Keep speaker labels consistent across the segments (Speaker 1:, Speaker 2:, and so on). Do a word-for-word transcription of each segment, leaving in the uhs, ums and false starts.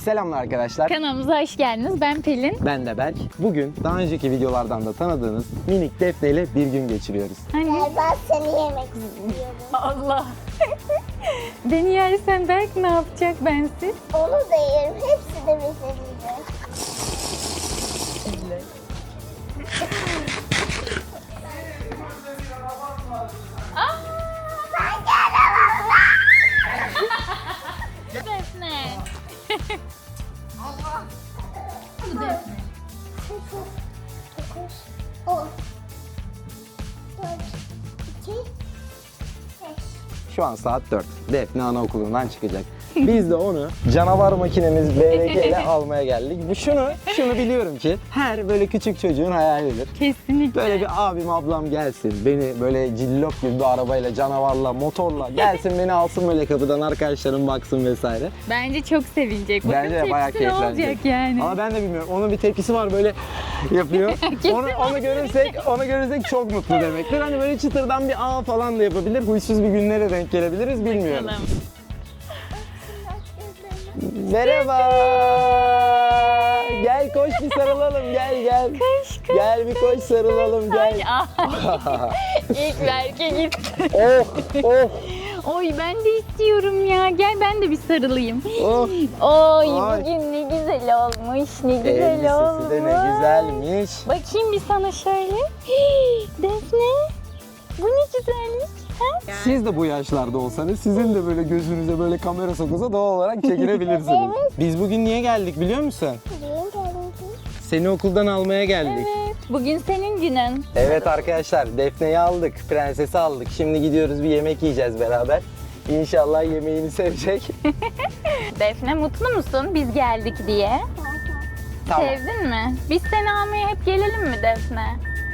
Speaker 1: Selamlar arkadaşlar.
Speaker 2: Kanalımıza hoş geldiniz. Ben Pelin.
Speaker 1: Ben de Berk. Bugün daha önceki videolardan da tanıdığınız minik Defne ile bir gün geçiriyoruz.
Speaker 2: Hani?
Speaker 3: Ben seni yemek istiyorum.
Speaker 2: Allah. Beni yersen Berk ne yapacak bensiz?
Speaker 3: Onu da yerim. Hepsi de bize gider.
Speaker 2: Defne. Allah. Bu Defne.
Speaker 3: dokuz, on, dört, iki, beş.
Speaker 1: Şu an saat dört. Defne anaokulundan çıkacak. Biz de onu canavar makinemiz B R G ile almaya geldik. Bu şunu, şunu biliyorum ki her böyle küçük çocuğun hayalidir.
Speaker 2: Kesinlikle.
Speaker 1: Böyle bir abim ablam gelsin, beni böyle cillop gibi bir arabayla, canavarla, motorla gelsin beni alsın böyle kapıdan, arkadaşlarım baksın vesaire.
Speaker 2: Bence çok sevinecek. Bakın
Speaker 1: Bence de bayağı
Speaker 2: tepkisi ne
Speaker 1: keyiflenecek.
Speaker 2: olacak yani.
Speaker 1: Ama ben de bilmiyorum. Onun bir tepkisi var böyle yapıyor. onu, onu görürsek, onu görürsek çok mutlu demektir. Hani böyle çıtırdan bir ağ falan da yapabilir. Huysuz bir günlere denk gelebiliriz bilmiyorum.
Speaker 2: Bakalım.
Speaker 1: Merhaba. Gel koş bir sarılalım. Gel gel.
Speaker 2: Koş koş.
Speaker 1: Gel bir koş sarılalım gel.
Speaker 2: Ay, İlk Berk'e gitti.
Speaker 1: Oh oh
Speaker 2: Oy ben de istiyorum ya. Gel ben de bir sarılayım.
Speaker 1: oh.
Speaker 2: Oy
Speaker 1: Ay.
Speaker 2: bugün ne güzel olmuş. Ne güzel olmuş.
Speaker 1: Elbisesi de ne güzelmiş.
Speaker 2: Bakayım bir sana şöyle. Hii, Defne. Bu ne güzellik. Ha?
Speaker 1: Siz de bu yaşlarda olsanız sizin de böyle gözünüze böyle kamera sokulsa doğal olarak çekinebilirsiniz. Biz bugün niye geldik biliyor musun?
Speaker 3: Birinci alıntı.
Speaker 1: Seni okuldan almaya geldik.
Speaker 2: Evet. Bugün senin günün.
Speaker 1: Evet arkadaşlar, Defne'yi aldık, prensesi aldık. Şimdi gidiyoruz bir yemek yiyeceğiz beraber. İnşallah yemeğini sevecek.
Speaker 2: Defne mutlu musun biz geldik diye?
Speaker 1: Tamam,
Speaker 2: Sevdin mi? Biz seni almaya hep gelelim mi Defne?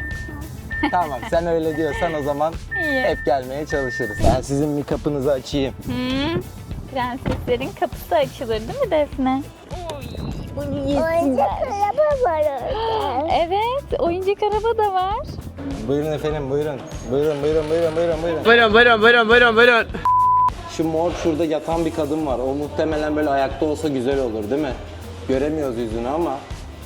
Speaker 1: tamam. Sen öyle diyorsan o zaman
Speaker 2: İyi.
Speaker 1: hep gelmeye çalışırız. Ben sizin bir kapınızı açayım.
Speaker 2: Hmm. Prenseslerin kapısı açılır değil mi Defne? Oy, bunu
Speaker 3: Oyuncak
Speaker 2: yesinler.
Speaker 3: araba var orada.
Speaker 2: Evet, oyuncak araba da var.
Speaker 1: Buyurun efendim, buyurun. Buyurun, buyurun, buyurun, buyurun, buyurun.
Speaker 4: Buyurun buyurun buyurun buyurun buyurun.
Speaker 1: Şu mor şurada yatan bir kadın var. O muhtemelen böyle ayakta olsa güzel olur değil mi? Göremiyoruz yüzünü ama.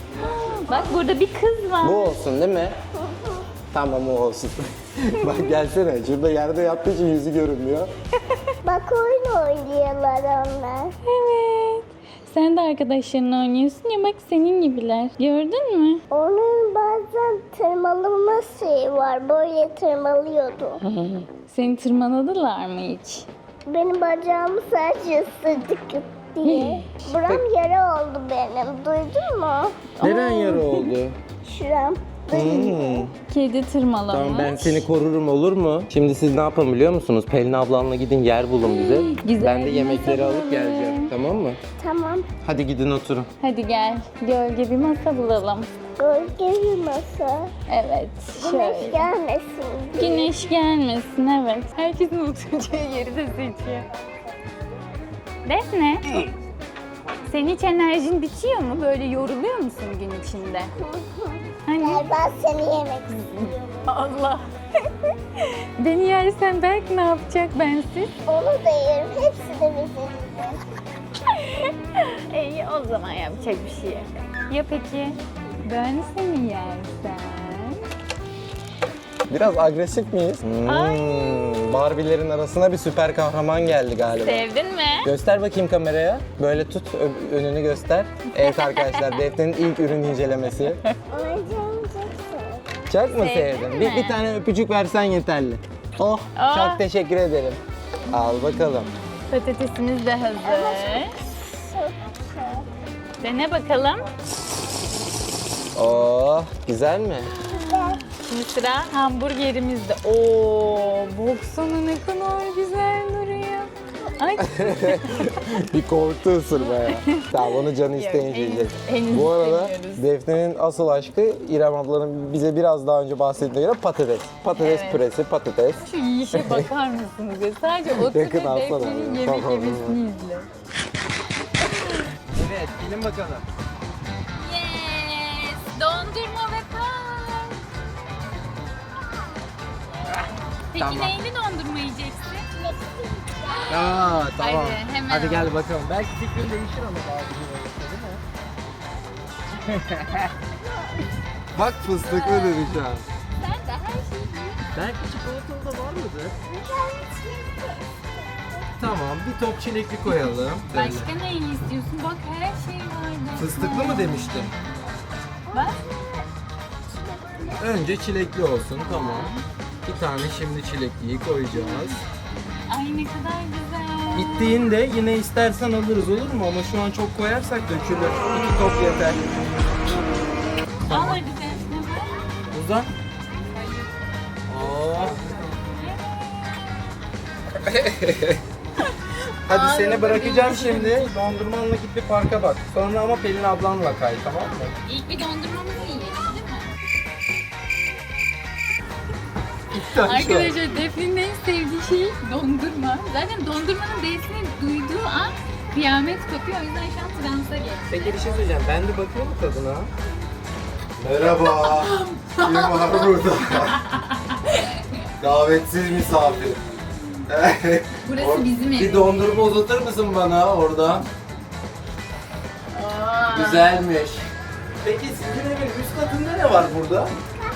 Speaker 2: Bak burada bir kız var.
Speaker 1: Bu olsun değil mi? Tamam o olsun. Bak gelsene. Şurada yerde yattığı için yüzü görünmüyor.
Speaker 3: Bak oyun oynuyorlar onlar.
Speaker 2: Evet. Sen de arkadaşlarınla oynuyorsun ya bak senin gibiler. Gördün mü?
Speaker 3: Onun bazen tırmalama şeyi var. Böyle tırmalıyordu.
Speaker 2: Seni tırmaladılar mı hiç?
Speaker 3: Benim bacağımı sadece ısırdık diye. Buram yara oldu benim. Duydun mu?
Speaker 1: Neren yara oldu?
Speaker 3: Şuram.
Speaker 1: Hmm.
Speaker 2: Kedi tırmalamış.
Speaker 1: Tamam ben seni korurum olur mu? Şimdi siz ne yapın biliyor musunuz? Pelin ablanla gidin yer bulun bize.
Speaker 2: Güzel
Speaker 1: Ben de
Speaker 2: bir
Speaker 1: yemekleri
Speaker 2: masa
Speaker 1: alıp
Speaker 2: bulalım.
Speaker 1: geleceğim. Tamam mı?
Speaker 3: Tamam.
Speaker 1: Hadi gidin oturun.
Speaker 2: Hadi gel. Gölge bir masa bulalım.
Speaker 3: Gölge bir masa.
Speaker 2: Evet.
Speaker 3: Güneş
Speaker 2: Şöyle.
Speaker 3: gelmesin diye.
Speaker 2: Güneş gelmesin evet. Herkesin oturacağı yeri de seçiyor. Defne. Senin hiç enerjin bitiyor mu? Böyle yoruluyor musun gün içinde? Hani?
Speaker 3: Gel ben seni yemek istiyorum.
Speaker 2: Allah. Beni yersen Berk ne yapacak bensiz?
Speaker 3: Onu da yerim. Hepsi de bize gider.
Speaker 2: İyi o zaman yapacak bir şey yok. Ya peki ben seni yersem?
Speaker 1: Biraz agresif miyiz? Hmm,
Speaker 2: Ay.
Speaker 1: Barbie'lerin arasına bir süper kahraman geldi galiba.
Speaker 2: Sevdin mi?
Speaker 1: Göster bakayım kameraya. Böyle tut, ö- önünü göster. Evet arkadaşlar, Defne'nin ilk ürün incelemesi.
Speaker 3: Oyuncağımı çok seviyorum.
Speaker 1: Çok mu
Speaker 2: Sevdin
Speaker 1: sevdin?
Speaker 2: mi?
Speaker 1: Bir, bir tane öpücük versen yeterli. Oh,
Speaker 2: Oh.
Speaker 1: çok teşekkür ederim. Al bakalım.
Speaker 2: Patatesimiz de hazır.
Speaker 3: Çok güzel.
Speaker 2: Dene bakalım.
Speaker 1: Oh, güzel mi?
Speaker 3: Gel.
Speaker 2: Şimdi sıra hamburgerimizde. Oo, baksana ne kadar güzel duruyor. Ay.
Speaker 1: Bir korktu ısırmaya. Tamam onu canı isteyince
Speaker 2: henüz-
Speaker 1: yiyecek.
Speaker 2: henüz
Speaker 1: Bu arada
Speaker 2: istemiyoruz.
Speaker 1: Defne'nin asıl aşkı İrem ablanın bize biraz daha önce bahsettiğine göre patates. Patates
Speaker 2: Evet.
Speaker 1: püresi, patates.
Speaker 2: Şu yiyişe bakar mısınız ya? Sadece otur
Speaker 1: Yakın
Speaker 2: ve
Speaker 1: alsana.
Speaker 2: Defne'nin yemek
Speaker 1: Tamam,
Speaker 2: yemesini izle.
Speaker 1: Evet, gelin bakalım.
Speaker 2: Yes! Dondurma ve park. Peki
Speaker 1: Tamam.
Speaker 2: neyli dondurma yiyeceksin?
Speaker 1: Aa, tamam.
Speaker 2: Hadi, hemen
Speaker 1: Hadi
Speaker 2: al.
Speaker 1: gel bakalım. Belki fikrin değişir ama bazı Bak fıstıklı dedi şu an.
Speaker 2: Sen de her şeyi
Speaker 1: Belki çikolatalı da var mıdır? Tamam, bir top çilekli koyalım. Böyle.
Speaker 2: Başka neyini istiyorsun? Bak her şey var.
Speaker 1: Fıstıklı mı demiştin?
Speaker 2: Bak.
Speaker 1: Önce çilekli olsun, tamam. Bir tane şimdi çilekliyi koyacağız.
Speaker 2: Ay ne kadar güzel.
Speaker 1: Bittiğinde yine istersen alırız, olur mu? Ama şu an çok koyarsak dökülür. İki top yeter.
Speaker 2: Al hadi Defne bak.
Speaker 1: Uzan. Oh. Hadi seni bırakacağım şimdi. Dondurmanla git bir parka bak. Sonra ama Pelin ablanla kay, tamam mı?
Speaker 2: İlk bir dondurmamızı yiyelim değil mi?
Speaker 1: İlkten
Speaker 2: Arkadaşlar Defne'nin en sevdiği şey dondurma. Zaten dondurmanın D'sini duyduğu an kıyamet kopuyor. O yüzden şu an transa geçti.
Speaker 1: Peki bir şey söyleyeceğim. Ben de bakıyorum tadına.
Speaker 4: Merhaba. Kim var burada? Davetsiz misafir.
Speaker 2: Burası bizim
Speaker 1: Bir
Speaker 2: evimiz.
Speaker 1: dondurma uzatır mısın bana oradan? Güzelmiş. Peki sizin evin üst katında ne var burada?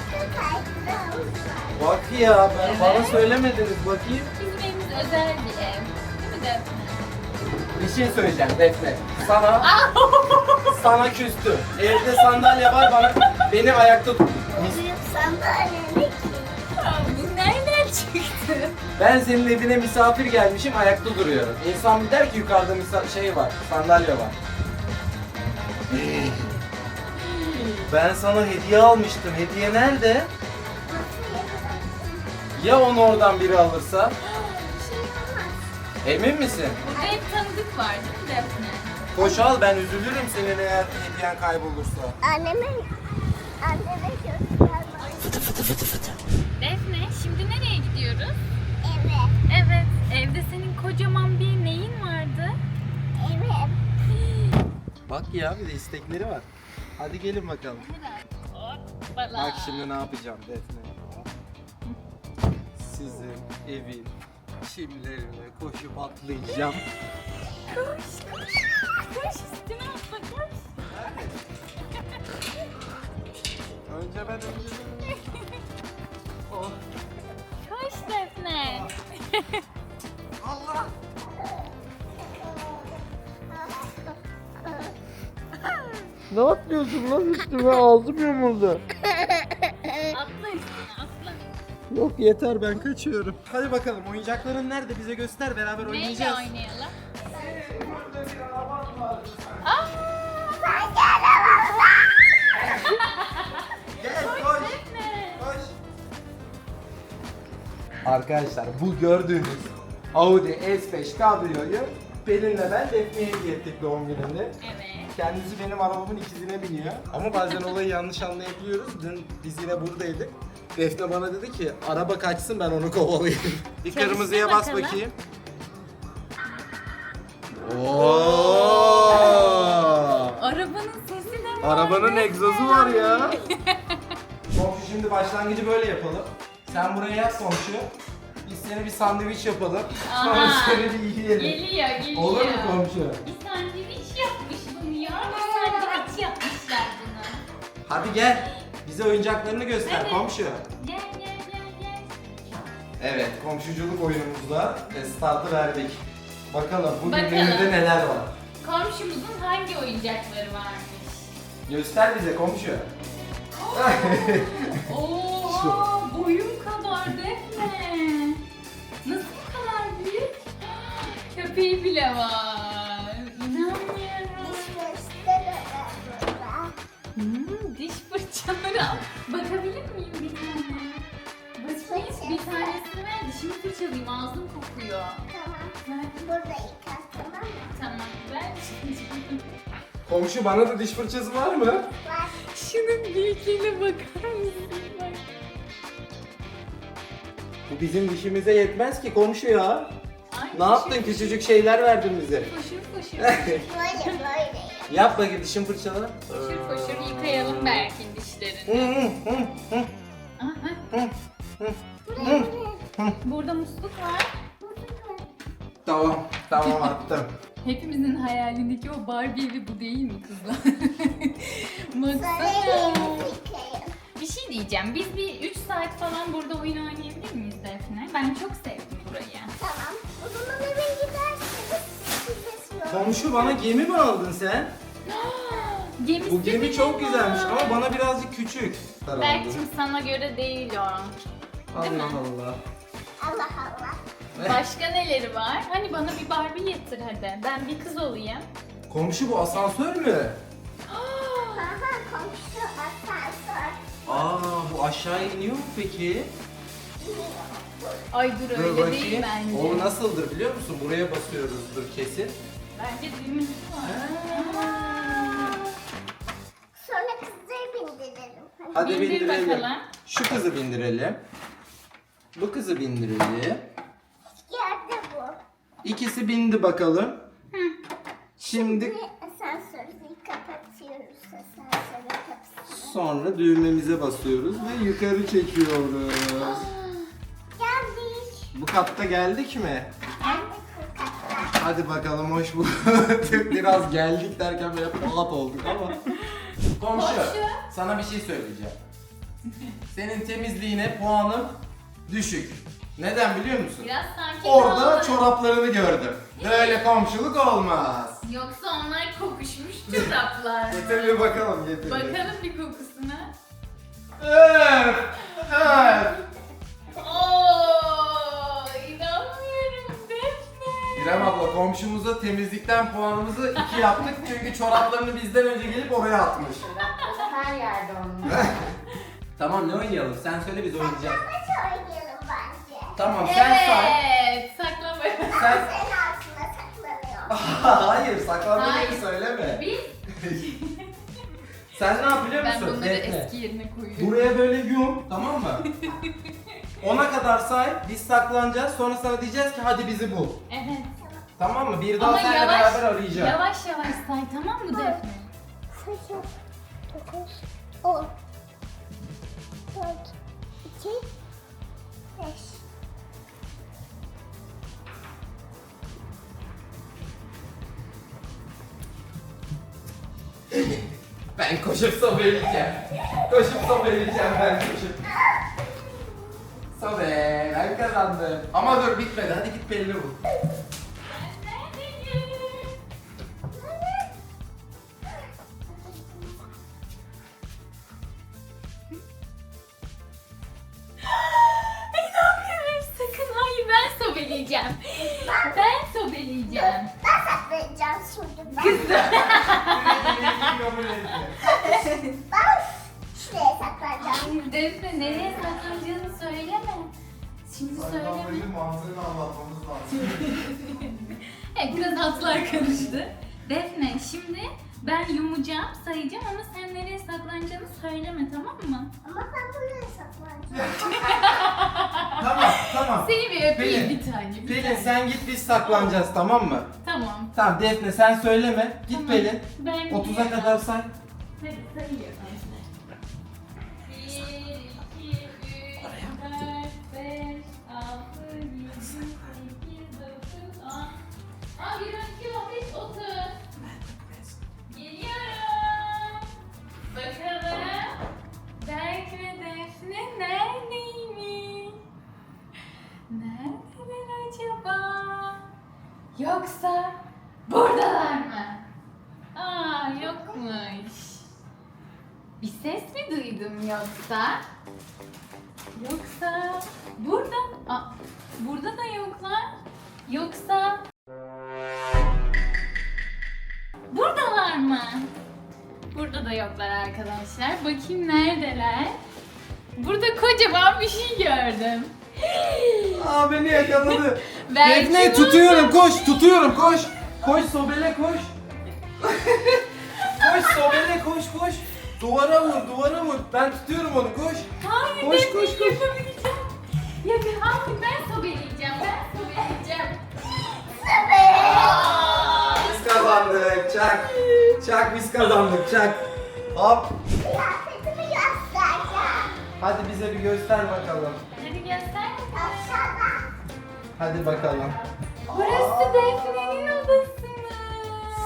Speaker 1: Bak ya, ben bana söylemediniz, bakayım.
Speaker 2: Bizim evimiz özel bir ev. Değil mi Defne?
Speaker 1: Bir şey söyleyeceğim Defne. Sana sana küstüm. Evde sandalye var, bana beni ayakta tut.
Speaker 3: Büyük sandalye ki.
Speaker 2: Bu nereden çıktı?
Speaker 1: Ben senin evine misafir gelmişim, ayakta duruyorum. İnsan bir der ki yukarıda misa- şey var, sandalye var. Ben sana hediye almıştım. Hediye nerede? Ya onu oradan biri alırsa? Emin misin?
Speaker 2: Burada hep tanıdık var değil mi Defne?
Speaker 1: Koş al, ben üzülürüm senin eğer hediyen kaybolursa.
Speaker 3: Anneme, anneme gösterme.
Speaker 2: Defne şimdi nereye gidiyoruz?
Speaker 3: Evet,
Speaker 2: Evet. Evde senin kocaman bir neyin vardı?
Speaker 3: evet.
Speaker 1: Bak ya, bir de istekleri var. Hadi gelin bakalım.
Speaker 2: Hoppala.
Speaker 1: Bak şimdi ne yapacağım Defne. Sizin evin çimlerine koşup atlayacağım.
Speaker 2: Koş koş. Koş üstüne atla koş.
Speaker 1: Önce ben önce. Oh.
Speaker 2: Koş Defne.
Speaker 1: Allah! Ne yapıyorsun lan üstüme? Ağzım yumuldu.
Speaker 2: Atla üstüne atla.
Speaker 1: Yok yeter, ben kaçıyorum. Hadi bakalım, oyuncakların nerede? Bize göster, beraber
Speaker 2: Neyle
Speaker 1: oynayacağız.
Speaker 2: oynayalım?
Speaker 1: Burada bir araban var.
Speaker 2: Aa!
Speaker 1: Gel koş.
Speaker 2: Defne.
Speaker 1: Koş. Arkadaşlar bu gördüğünüz Audi S beş kabriyoyu Pelin'le ben Defne'ye hediye ettik doğum gününde.
Speaker 2: Evet.
Speaker 1: Kendisi benim arabamın ikizine biniyor. Ama bazen olayı yanlış anlayabiliyoruz. Dün biz yine buradaydık. Defne bana dedi ki araba kaçsın, ben onu kovalayayım. Bir
Speaker 2: Çalıştır
Speaker 1: kırmızıya bas
Speaker 2: bakalım.
Speaker 1: bakayım. Oo!
Speaker 2: Arabanın sesi de var.
Speaker 1: Arabanın
Speaker 2: Defne.
Speaker 1: egzozu var ya. Komşu, şimdi başlangıcı böyle yapalım. Sen buraya yaz komşu. Biz seni bir sandviç yapalım. Sonra
Speaker 2: Aha.
Speaker 1: seni bir yiyelim.
Speaker 2: Geliyor geliyor.
Speaker 1: Olur mu komşu?
Speaker 2: Bir sandviç yapmış bunu ya. Bir sandviç yapmışlar bunu.
Speaker 1: Hadi gel. Bize oyuncaklarını göster
Speaker 2: Evet.
Speaker 1: komşu.
Speaker 2: Gel gel gel gel.
Speaker 1: Evet, komşuculuk oyunumuzda startı verdik. Bakalım bugün
Speaker 2: Bakalım.
Speaker 1: menüde neler var.
Speaker 2: Komşumuzun hangi oyuncakları varmış?
Speaker 1: Göster bize komşu.
Speaker 2: Oha boyum kadar Defne. Nasıl bu kadar büyük? Köpeği bile var. İnanmıyorum. Hmm, diş fırçaları al. Bakabilir miyim bir tane? Bakayım bir tanesini ver, dişimi fırçalayayım, ağzım kokuyor.
Speaker 3: Tamam. Burada yıka, tamam mı?
Speaker 2: Tamam, ver şimdi.
Speaker 1: Komşu, bana da diş fırçası var mı?
Speaker 3: Var.
Speaker 2: Şunun büyüklüğüne bakar mısın? Bak.
Speaker 1: Bu bizim dişimize yetmez ki komşu ya.
Speaker 2: Ay,
Speaker 1: Ne yaptın? Küçücük şeyler verdin bize.
Speaker 2: Foşur foşur.
Speaker 3: Böyle böyle.
Speaker 1: Yap bakayım dişin fırçala.
Speaker 2: Foşur foşur yıkayalım Berk'in dişlerini. Aha. Burada musluk var.
Speaker 1: Tamam, tamam attım.
Speaker 2: Hepimizin hayalindeki o Barbie evi bu değil mi kızlar? Baksana.
Speaker 3: Söyleyeyim fikrim.
Speaker 2: Bir şey diyeceğim. Biz bir üç saat falan burada oyun oynayabilir miyiz Defne? Ben çok sevdim burayı.
Speaker 3: Tamam. O zaman eve gidersiniz. Size sorun.
Speaker 1: Komşu bana gemi mi aldın sen?
Speaker 2: Gemisi
Speaker 1: Bu gemi
Speaker 2: bile
Speaker 1: çok
Speaker 2: var.
Speaker 1: güzelmiş ama bana birazcık küçük.
Speaker 2: Berk'cim sana göre değil o. Değil mi?
Speaker 1: Allah Allah.
Speaker 3: Allah Allah.
Speaker 2: Başka neleri var? Hani bana bir Barbie getir hadi. Ben bir kız olayım.
Speaker 1: Komşu bu asansör mü?
Speaker 3: Aha komşu asansör.
Speaker 1: Aa bu aşağı iniyor mu peki?
Speaker 2: Ay dur
Speaker 1: Dur
Speaker 2: öyle
Speaker 1: bakayım.
Speaker 2: değil bence.
Speaker 1: O nasıldır biliyor musun? Buraya basıyoruzdur kesin.
Speaker 2: Bence düğmesi var.
Speaker 3: Sonra kızları bindirelim. Hadi.
Speaker 1: Hadi
Speaker 2: Bindir
Speaker 1: bindirelim.
Speaker 2: bakalım.
Speaker 1: Şu kızı bindirelim. Bu kızı bindirelim.
Speaker 3: Yerde bu.
Speaker 1: İkisi bindi bakalım. Şimdi
Speaker 3: Ve asansörü kapatıyoruz. Asansörü kapısını.
Speaker 1: sonra düğmemize basıyoruz ve yukarı çekiyoruz.
Speaker 3: Geldik.
Speaker 1: Bu katta geldik mi?
Speaker 3: Geldik bu kata.
Speaker 1: Hadi bakalım hoş bulduk. Biraz geldik derken böyle pahat olduk ama. Komşu,
Speaker 2: Komşu.
Speaker 1: sana bir şey söyleyeceğim. Senin temizliğine puanım düşük. Neden biliyor musun?
Speaker 2: Biraz sakin
Speaker 1: Orada
Speaker 2: ol.
Speaker 1: çoraplarını gördüm. Böyle komşuluk olmaz.
Speaker 2: Yoksa onlar kokuşmuş çoraplar.
Speaker 1: Getir bir bakalım getir.
Speaker 2: Bakalım bir kokusuna.
Speaker 1: Öf! Öf!
Speaker 2: Oo, inanmıyorum Defne.
Speaker 1: İrem abla komşumuza temizlikten puanımızı iki yaptık çünkü çoraplarını bizden önce gelip oraya atmış.
Speaker 5: Her yerde onun.
Speaker 1: Tamam ne oynayalım? Sen söyle biz oynayacağız.
Speaker 3: Saklambaç oynayalım bence.
Speaker 1: Tamam sen say.
Speaker 2: Evet, saklambaç.
Speaker 1: Sen...
Speaker 3: Senin altında saklanıyor.
Speaker 1: Hayır saklanma
Speaker 2: Hayır.
Speaker 1: gibi söyleme.
Speaker 2: Biz,
Speaker 1: Sen ne yap biliyor
Speaker 2: ben
Speaker 1: musun?
Speaker 2: bunları
Speaker 1: Defne.
Speaker 2: eski yerine koyuyorum.
Speaker 1: Buraya böyle yum tamam mı? Ona kadar say biz saklanacağız sonra sana diyeceğiz ki hadi bizi bul.
Speaker 2: Evet.
Speaker 1: Tamam mı? Bir daha
Speaker 2: Ama
Speaker 1: seninle
Speaker 2: yavaş,
Speaker 1: beraber arayacağım.
Speaker 2: yavaş yavaş say tamam mı Defne?
Speaker 3: sekiz, dokuz, on, dört, iki, beş.
Speaker 1: Ben koşup sobeleyeceğim. Koşup sobeleyeceğim ben koşup. Sobe ben kazandım. Ama dur bitmedi hadi git Pelin'i bul.
Speaker 2: İnanmıyorum sakın hayır ben sobeleyeceğim. Ben sobeleyeceğim.
Speaker 3: Ben saklayacağım şimdi ben. Ben şuraya saklayacağım.
Speaker 2: Hayır Defne nereye saklanacağını söyleme. Şimdi söyleme.
Speaker 4: mantığını anlatmamız lazım.
Speaker 2: Evet biraz hatlar karıştı. Defne şimdi ben yumacağım sayacağım ama sen nereye saklanacağını söyleme tamam mı?
Speaker 3: Ama ben buraya saklayacağım.
Speaker 1: Tamam tamam.
Speaker 2: Seni bir öpeyim
Speaker 1: Pelin,
Speaker 2: bir tane. Bir
Speaker 1: Pelin
Speaker 2: tane.
Speaker 1: sen git biz saklanacağız tamam mı?
Speaker 2: Tamam.
Speaker 1: Tamam Defne sen söyleme. Git
Speaker 2: Tamam.
Speaker 1: Pelin.
Speaker 2: Ben
Speaker 1: otuza kadar say.
Speaker 2: Hadi sayıyorum. bir, iki, üç, dört, beş, altı, yedi, sekiz, dokuz, on. Aa, bir, iki, on beş, otuz. Geliyorum. Bakalım. Berk ve Defne neredeymiş? Neredeler acaba? Yoksa buradalar mı? Aa yokmuş. Bir ses mi duydum yoksa? Yoksa burada? Aa, burada da yoklar. Yoksa buradalar mı? Burada da yoklar arkadaşlar. Bakayım neredeler? Burada kocaman bir şey gördüm.
Speaker 1: Aa beni yakaladı.
Speaker 2: Belki
Speaker 1: Defne
Speaker 2: bu-
Speaker 1: tutuyorum koş tutuyorum koş. Koş sobele koş. Koş sobele koş koş. Duvara vur duvara vur. Ben tutuyorum onu koş.
Speaker 2: Hayır
Speaker 1: Koş,
Speaker 2: Defne,
Speaker 1: koş, koş.
Speaker 2: yapamayacağım. Yakın, hayır ben sobeleyeceğim, ben sobeleyeceğim.
Speaker 1: Biz kazandık çak. Çak biz kazandık çak. Hop.
Speaker 3: Kıyafetimi göstereceğim.
Speaker 1: Hadi bize bir göster bakalım.
Speaker 2: Hadi göster.
Speaker 3: Aşağıda.
Speaker 1: Hadi bakalım.
Speaker 2: Burası Defne'nin odası mı?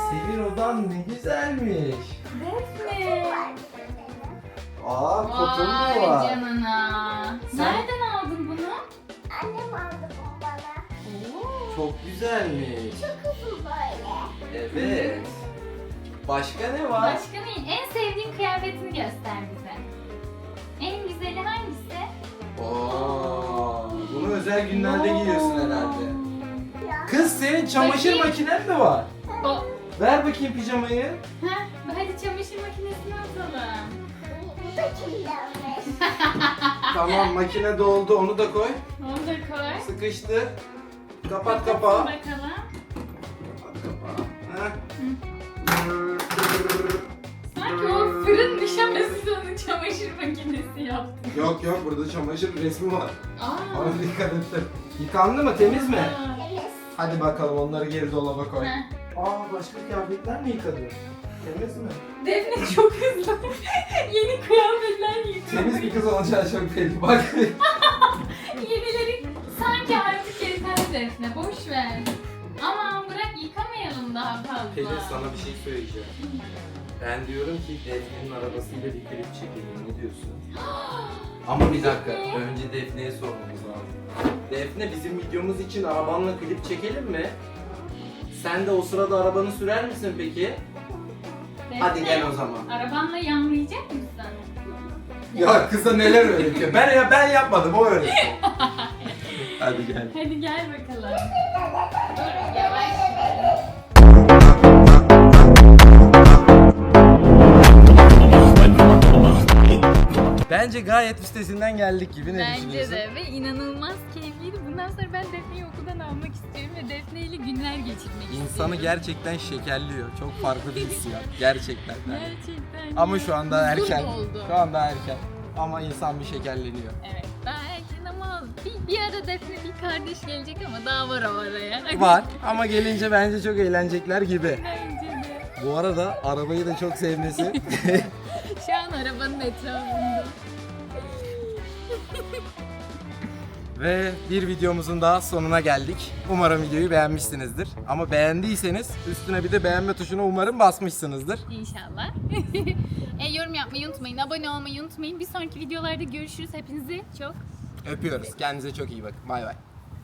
Speaker 1: senin odan ne güzelmiş.
Speaker 2: Defne.
Speaker 1: Aa, kotun mu
Speaker 2: Vay
Speaker 1: var?
Speaker 2: canına.
Speaker 1: Sen-
Speaker 2: Nereden aldın bunu?
Speaker 3: Annem aldı bunu bana.
Speaker 2: Oo.
Speaker 1: Çok güzelmiş.
Speaker 3: Çok uzun böyle.
Speaker 1: Evet. Başka ne var?
Speaker 2: Başka ne? En sevdiğin kıyafetini göster bize. En güzeli hangisi?
Speaker 1: Oo, bunu özel günlerde giyiyorsun herhalde.
Speaker 3: Ya.
Speaker 1: Kız senin çamaşır
Speaker 2: Bakayım.
Speaker 1: makinen mi var?
Speaker 2: O.
Speaker 1: Ver bakayım pijamayı.
Speaker 2: Heh, hadi çamaşır makinesine atalım.
Speaker 3: Bu da kirlenmiş.
Speaker 1: Tamam, makine doldu, onu da koy.
Speaker 2: Onu da koy.
Speaker 1: Sıkıştır. Kapat kapağı.
Speaker 2: Bakalım.
Speaker 1: Kapat kapağı. Heh.
Speaker 2: Sanki o fırın nişanlısı onu çamaşır makinesi yaptı.
Speaker 1: Yok yok, burada çamaşır resmi var.
Speaker 2: Aa.
Speaker 1: Ona dikkat ettim. Yıkandı mı, temiz mi?
Speaker 2: Aa.
Speaker 3: Evet.
Speaker 1: Hadi bakalım, onları geri dolaba koy.
Speaker 2: Heh.
Speaker 1: Aa, başka kıyafetler mi yıkadın? Temiz mi?
Speaker 2: Defne çok hızlı. Yeni kıyafetler giyiyor.
Speaker 1: Temiz bir kız olacağı çok belli. Bak.
Speaker 2: Yenileri sanki artık yeter Defne. Boş ver. Aman bırak yıkamayalım daha fazla.
Speaker 1: Pelin, sana bir şey söyleyeceğim. Ben diyorum ki Defne'nin arabasıyla bir klip çekelim. Ne diyorsun? Ama bir dakika. Önce Defne'ye sormamız lazım. Defne, bizim videomuz için arabanla klip çekelim mi? Sen de o sırada arabanı sürer misin peki?
Speaker 2: Defne,
Speaker 1: Hadi gel o zaman.
Speaker 2: Arabanla yanlayacak mısın?
Speaker 1: Ya kıza neler öğretiyor? Ben ya ben yapmadım, o öğretti. Hadi gel.
Speaker 2: Hadi gel bakalım. Dur yavaş.
Speaker 1: Bence gayet üstesinden geldik gibi, ne
Speaker 2: Bence
Speaker 1: düşünüyorsun?
Speaker 2: de ve inanılmaz keyifliydi. Bundan sonra ben Defne'yi okuldan almak istiyorum ve Defne ile günler geçirmek istiyorum.
Speaker 1: İnsanı gerçekten şekerliyor. Çok farklı bir hissiyat. Gerçekten.
Speaker 2: Gerçekten.
Speaker 1: Ama şu anda
Speaker 2: Huzur
Speaker 1: erken.
Speaker 2: doldu.
Speaker 1: Şu anda erken. Ama insan bir şekerleniyor.
Speaker 2: Evet daha erken ama bir, bir ara Defne bir kardeş gelecek ama daha var o araya.
Speaker 1: Var ama gelince bence çok eğlenecekler gibi.
Speaker 2: Bence de.
Speaker 1: Bu arada arabayı da çok sevmesi.
Speaker 2: Şu an arabanın etrafında.
Speaker 1: Ve bir videomuzun daha sonuna geldik. Umarım videoyu beğenmişsinizdir. Ama beğendiyseniz üstüne bir de beğenme tuşuna umarım basmışsınızdır.
Speaker 2: İnşallah. e, yorum yapmayı unutmayın, abone olmayı unutmayın. Bir sonraki videolarda görüşürüz. Hepinizi çok
Speaker 1: Öpüyoruz. Kendinize çok iyi bakın. Bay bay.